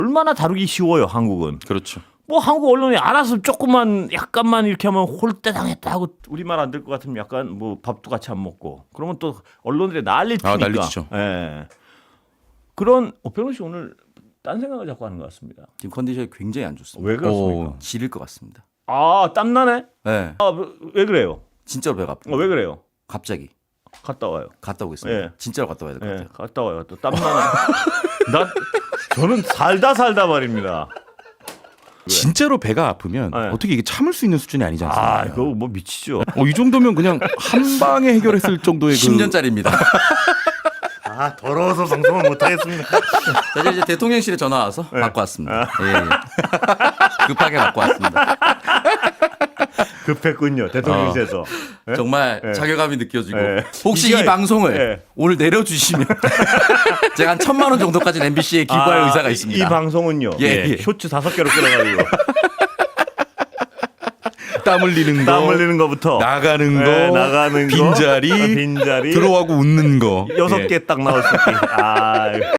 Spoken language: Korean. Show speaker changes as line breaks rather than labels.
얼마나 다루기 쉬워요, 한국은.
그렇죠.
뭐 한국 언론이 알아서 조금만 약간만 이렇게 하면 홀대 당했다 하고 우리말 안 될 것 같으면 약간 뭐 밥도 같이 안 먹고 그러면 또 언론들이 난리 치니까.
난리치죠.
예. 그런 오평론 씨 오늘 딴 생각을 자꾸 하는 것 같습니다.
지금 컨디션이 굉장히 안 좋습니다.
왜 그렇습니까?
지릴 것 같습니다.
아 땀나네?
네,
왜 그래요?
진짜로 배가 아프고
왜 그래요?
갑자기
갔다 와요.
갔다 오겠습니다.
예.
진짜로 갔다 와야 될 것
예,
같아요.
갔다 와요. 또 땀나네. 저는 살다 말입니다.
진짜로 배가 아프면
네.
어떻게 이게 참을 수 있는 수준이 아니지 않습니까?
아, 이거 뭐 미치죠.
이 정도면 그냥 한 방에 해결했을 정도의
10년짜리입니다.
아, 더러워서 방송을 못 하겠습니다.
자, 이제 대통령실에 전화 와서 받고 왔습니다. 예. 급하게 받고 왔습니다.
급했군요. 대통령실에서. 예?
정말
예.
자괴감이 느껴지고
예.
혹시
이게-
이 방송을
예.
오늘 내려주시면 제가 한 1,000만 원 정도까지는 MBC에 기부할 의사가 있습니다.
이 방송은요.
예.
쇼츠 5개로 끌어가지고
땀 흘리는 거,
땀 흘리는 거부터
나가는 거,
예, 나가는 거,
빈자리,
빈자리
들어가고 웃는 거.
6개 딱 나올 수 있게. 아.